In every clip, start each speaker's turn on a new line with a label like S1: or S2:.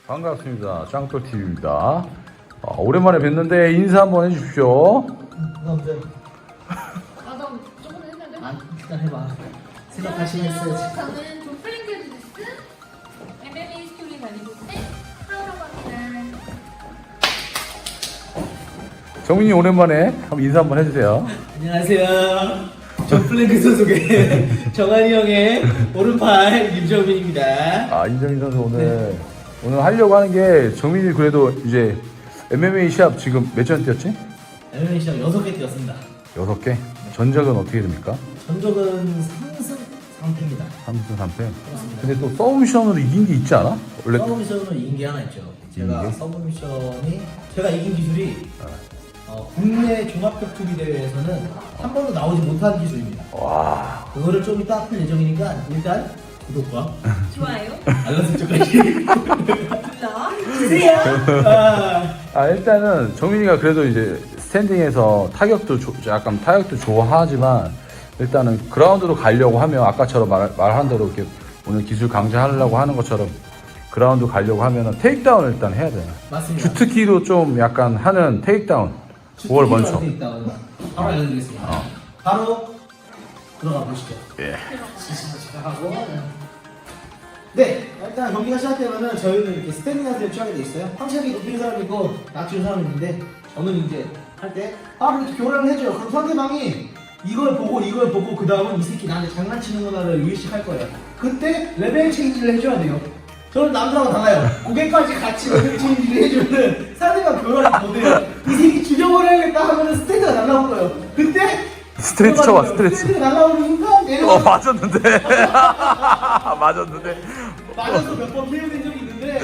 S1: 반갑습니다. 짱돌TV입니다. 오랜만에 뵀는데 인사 한번 해주십시오.
S2: 남자.
S3: 나 조금 했는데?
S2: 일단 해봐. 생각할 시간 있어야지.
S3: 저는 조플링크리스 MMA 스토리 다니고 있는 하우라고 합니다.
S1: 정민이 오랜만에 한번 인사 한번 해주세요.
S2: 안녕하세요. 저 플랭크 소속의 정한이 형의 오른팔 임정민입니다.
S1: 인정민 선수 오늘 하려고 하는 게 정민이 그래도 이제 MMA 시합 지금 몇 전 뛰었지?
S2: MMA 시합 6개 뛰었습니다.
S1: 6개? 전적은 어떻게 됩니까?
S2: 전적은 3승 3패입니다.
S1: 3승 3패. 근데 또 서브미션으로 이긴 게 있지 않아? 원래
S2: 서브미션으로 이긴 게 하나 있죠. 제가
S1: 이긴 게?
S2: 서브미션이 제가 이긴 기술이 국내 종합격투기 대회에서는 한 번도 나오지 못한 기술입니다.
S1: 와.
S2: 그거를 좀 이따 풀 예정이니까 일단 구독과
S3: 좋아요.
S2: 알람 설정까지
S3: 눌러.
S1: 일단은 정민이가 그래도 이제 스탠딩에서 약간 타격도 좋아하지만 일단은 그라운드로 가려고 하면 아까처럼 말한 대로 이렇게 오늘 기술 강좌하려고 하는 것처럼 그라운드 가려고 하면은 테이크다운을 일단 해야 돼요.
S2: 맞습니다.
S1: 주특기로 좀 약간 하는 테이크다운. 그걸 먼저.
S2: 바로 알려드리겠습니다. 바로 들어가 보시죠.
S1: 예.
S2: 시작하고. 네, 일단 경기가 시작되면은 저희는 이렇게 스탠딩 자세를 취하게 돼 있어요. 상체가 높이는 사람이 있고 낮추는 사람이 있는데 저는 이제 할 때 바로 이렇게 교란을 해줘요. 그럼 상대방이 이걸 보고 그 다음은 이 새끼 나한테 장난치는구나를 의식할 거예요. 그때 레벨 체인지를 해줘야 돼요. 저는 남들하고 달라요. 고개까지 같이 레벨 체인지를 해주면은 상대방 교란이 못해요. 이 새끼 죽여버려야겠다 하면은 스탠드가 날라올 거예요. 그때
S1: 스트레치 쳐봐, 스트레치.
S2: 스탠드가 날라오는 순간 내려가.
S1: 맞았는데. 맞았는데.
S2: 맞아서 몇 번 KO 된 적이 있는데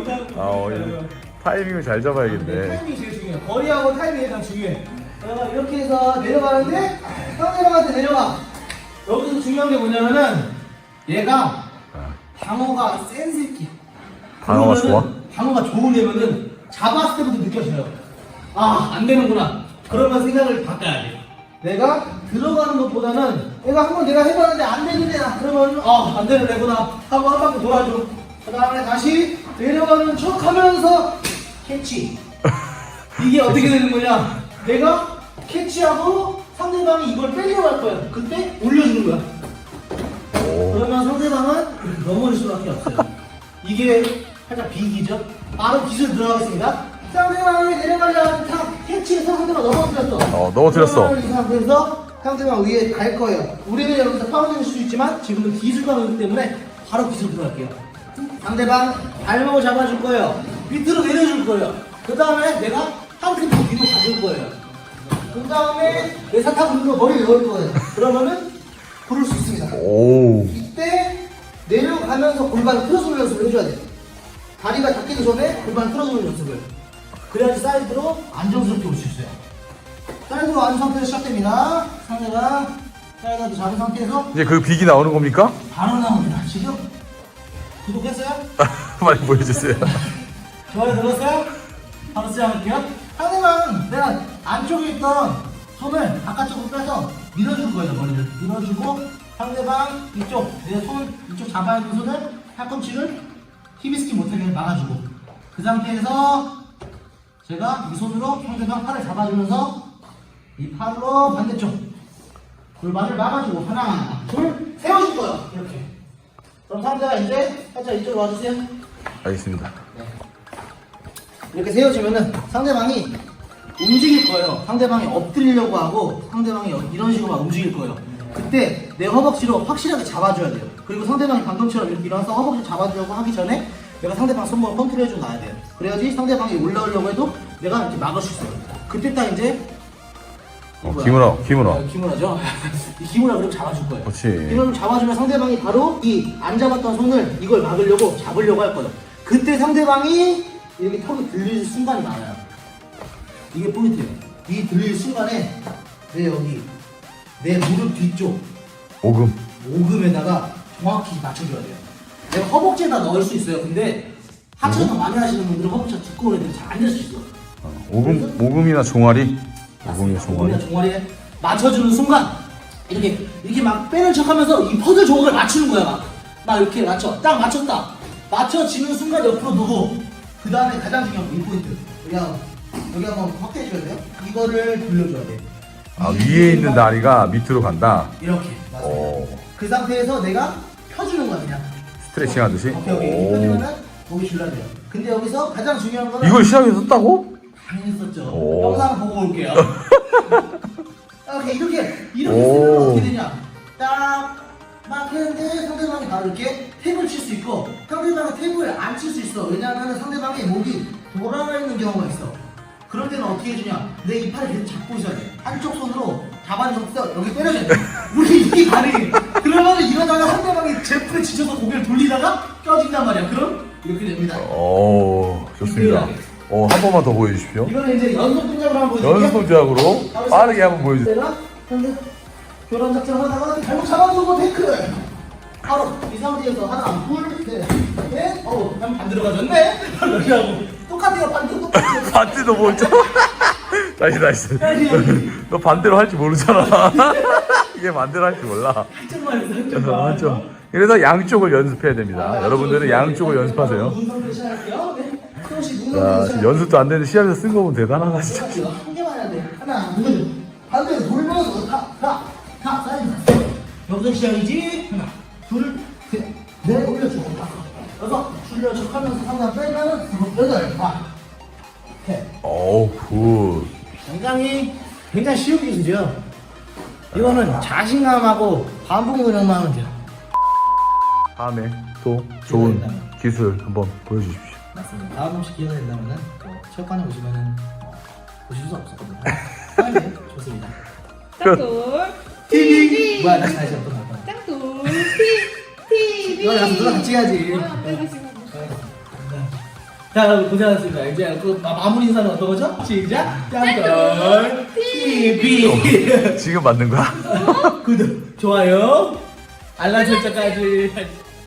S1: 타이밍을 잘 잡아야겠네.
S2: 타이밍이 제일 중요해요. 거리하고 타이밍이 가장 중요해. 이렇게 해서 내려가는데 상대방한테 내려가. 여기서 중요한 게 뭐냐면은 얘가 방어가 센 새끼.
S1: 방어가 좋아?
S2: 방어가 좋은 애면은 잡았을 때부터 느껴져요. 안 되는구나. 그러면 생각을 바꿔야 돼. 내가 들어가는 것보다는 얘가 한번 내가 해봤는데 안 되는 애다. 그러면 안 되는 애구나 하고 한 바퀴 돌아줘. 그 다음에 다시 내려가는 척 하면서 캐치. 이게 어떻게 되는 거냐? 내가 캐치하고 상대방이 이걸 빼려고 할 거야. 그때 올려주는 거야. 그러면 상대방은 넘어질 수밖에 없어요. 이게 살짝 비기죠? 바로 기술 들어가겠습니다. 상대방이 내려가려고 탁 캐치해서 상대방 넘어뜨렸어.
S1: 넘어뜨렸어.
S2: 이 상태에서 상대방 위에 갈 거예요. 우리는 여기서 파운딩일 수도 있지만 지금은 기술감이기 때문에 바로 기술 들어갈게요. 상대방 발목을 잡아줄 거예요. 밑으로 내려줄 거예요. 그 다음에 내가 한 템포 뒤로 가줄 거예요. 그 다음에 내 사탕 물로 머리 넣을 거예요. 그러면은 부를 수 있습니다. 이때 내려가면서 골반 틀어주는 연습을 해줘야 돼요. 다리가 닿기도 전에 골반 틀어주는 연습을. 그래야지 사이드로 안정스럽게 올 수 있어요. 사이드로 앉은 상태에서 시작됩니다. 상대가 사이드도 잡은 상태에서
S1: 이제 그 빅이 나오는 겁니까?
S2: 바로 나옵니다. 지금 구독했어요?
S1: 많이 보여주세요.
S2: 좋아요 눌렀어요? 바로 시작할게요. 상대방 내가 안쪽에 있던 손을 바깥쪽으로 빼서 밀어줄 거예요. 머리를 밀어주고 상대방 이쪽 내 손 이쪽 잡아야 되는 손을 팔꿈치를 히비스키 못하게 막아주고 그 상태에서 제가 이 손으로 상대방 팔을 잡아주면서 이 팔로 반대쪽 골반을 막아주고 하나 둘 세워줄 거예요. 이렇게. 그럼 상대가 이제 살짝 이쪽으로 와주세요.
S1: 알겠습니다.
S2: 이렇게 세워주면은 상대방이 움직일 거예요. 상대방이 엎드리려고 하고 상대방이 이런 식으로 막 움직일 거예요. 그때 내 허벅지로 확실하게 잡아줘야 돼요. 그리고 상대방이 방금처럼 이렇게 일어나서 허벅지 잡아주려고 하기 전에 내가 상대방 손목을 컨트롤해주고 나야 돼요. 그래야지 상대방이 올라오려고 해도 내가 이렇게 막을 수 있어요. 그때 딱 이제 기무라죠? 이 기무라 그럼 잡아줄 거예요.
S1: 그렇지.
S2: 이걸 잡아주면 상대방이 바로 이 안 잡았던 손을 이걸 막으려고 잡으려고 할 거예요. 그때 상대방이 이렇게 턱이 들릴 순간이 많아요. 이게 포인트예요. 이 들릴 순간에 내 여기 내 무릎 뒤쪽 오금에다가 정확히 맞춰줘야 돼요. 내가 허벅지에다 넣을 수 있어요. 근데 하체가 많이 하시는 분들은 허벅지가 두꺼운 애들이 잘 안 될 수 있어.
S1: 오금이나 종아리. 오금이나
S2: 종아리에 맞춰주는 순간 이렇게 막 빼는 척하면서 이 퍼즐 조각을 맞추는 거야. 막 이렇게 맞춰. 딱 맞췄다. 맞춰지는 순간 옆으로 누구. 그 다음에 가장 중요한 이 포인트. 여기 한번 확대해 줘야 돼요. 이거를 돌려줘야 돼.
S1: 아, 위에 있는 다리가 밑으로 간다.
S2: 이렇게. 맞아요.
S1: 오.
S2: 그 상태에서 내가 펴주는 거야 그냥.
S1: 스트레칭 하듯이.
S2: 오케이.
S1: 오.
S2: 펴주면은 목이 줄여야 돼요. 근데 여기서 가장 중요한 거는
S1: 이걸 시합에서 썼다고?
S2: 당연히 썼죠.
S1: 오.
S2: 영상 보고 올게요. 이렇게
S1: 오.
S2: 쓰면 어떻게 되냐? 딱 막했는데 상대방이 바로 이렇게 탭을 칠 수 있고 상대방이 탭을 안 칠 수 있어. 왜냐하면 상대방의 목이 돌아가 있는 경우가 있어. 그럴 때는 어떻게 해주냐? 내 이 팔을 계속 잡고 있어야 돼. 한쪽 손으로 잡아줘서 여기 때려줘야 돼. 우리 이게 가능해. 그러면 이러다가 상대방이 제풀에 지쳐서 고개를 돌리다가 껴진단 말이야. 그럼 이렇게 됩니다.
S1: 오, 좋습니다. 한 번만 더 보여주십시오.
S2: 이거는 이제 연속 동작으로 한번 보여줄게요.
S1: 연습 동작으로 빠르게 한번 보여주세요.
S2: 내가 근데 교란 작전 하다가 잘못 잡아주고 테크. 바로 이 상태에서 하나, 둘, 셋, 넷. 난 반대로 가졌네. 이러고 똑같아요. 반대로 똑같아요.
S1: 반대도 뭐 있죠? 다시. 너 반대로 할 줄 모르잖아. 이게 반대로 할 줄 몰라.
S2: 한쪽만 해서 한쪽만.
S1: 맞죠? 그래서 양쪽을 연습해야 됩니다. 여러분들은 양쪽을 연습하세요.
S2: 눈 상태 시작할게요. 네. 조금씩 눈
S1: 자,
S2: 상태
S1: 지금
S2: 시작.
S1: 연습도 안 되는데 시합에서 쓴 거 보면 대단하다, 진짜.
S2: 한 개만 해야 돼. 하나, 둘. 반대로 돌면서 다 사이드. 여기서 시작이지. 하나, 둘, 셋, 넷 올려주고 여섯 줄여 척하면서 상단 빼면은 여덟 다.
S1: 어우, 굿.
S2: 굉장히 쉬운 기술이죠. 이거는 자신감하고 반복 노력만 하면 돼요.
S1: 다음에 또 좋은 기술 한번 보여주십시오.
S2: 맞습니다. 다음 혹시 기회가 된다면은 체육관에 오시면은 보실 수 없었거든요. 네, 좋습니다.
S3: 짱돌
S2: TV. 뭐야 다시 한번 할까?
S3: 짱돌 TV.
S2: 이거 나서 누나 같이 해야지.
S3: 안 되고 지금.
S2: 자 여러분 고생하셨습니다. 이제 그 마무리 인사는 어떤 거죠? 시작. 짱돌 TV.
S1: 지금 맞는 거야?
S2: 구독, 좋아요, 알람 설정까지.